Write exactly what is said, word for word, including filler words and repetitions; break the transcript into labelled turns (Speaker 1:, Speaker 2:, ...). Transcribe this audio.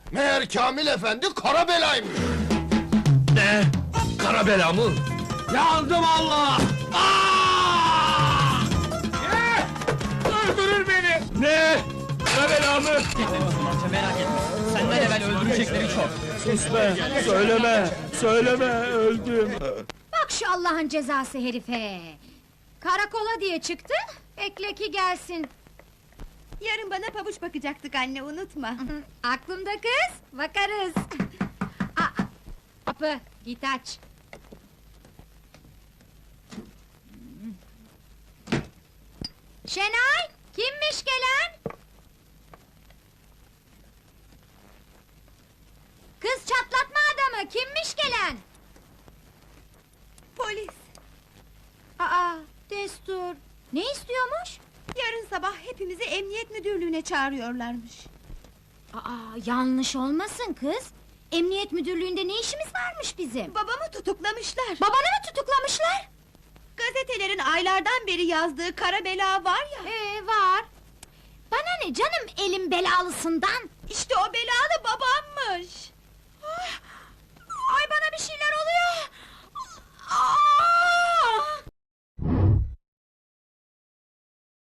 Speaker 1: Meğer Kamil efendi kara belaymış.
Speaker 2: Ne? Kara bela mı?
Speaker 3: Yandım Allah! Aa! Ne? Öldürür beni!
Speaker 2: Ne? Kara bela mı?
Speaker 4: Merak etme. Senden evvel öldürecekleri çok.
Speaker 2: Sus be! Söyleme! Söyleme! Öldüm!
Speaker 5: Bak şu Allah'ın cezası herife! Karakola diye çıktı, bekle ki gelsin.
Speaker 6: Yarın bana pabuç bakacaktık anne, unutma.
Speaker 5: Aklımda kız, bakarız. Aa, kapı, git aç. Şenay, kimmiş gelen? Kız çatlatma adamı, kimmiş gelen?
Speaker 6: Polis,
Speaker 5: Aa, destur. Ne istiyormuş?
Speaker 6: yarın sabah hepimizi emniyet müdürlüğüne çağırıyorlarmış.
Speaker 5: Aa, yanlış olmasın kız. Emniyet müdürlüğünde ne işimiz varmış bizim?
Speaker 6: Babamı tutuklamışlar.
Speaker 5: Babanı mı tutuklamışlar?
Speaker 6: Gazetelerin aylardan beri yazdığı kara bela var ya.
Speaker 5: Ee, var. Bana ne canım elim belalısından?
Speaker 6: İşte o belalı babammış.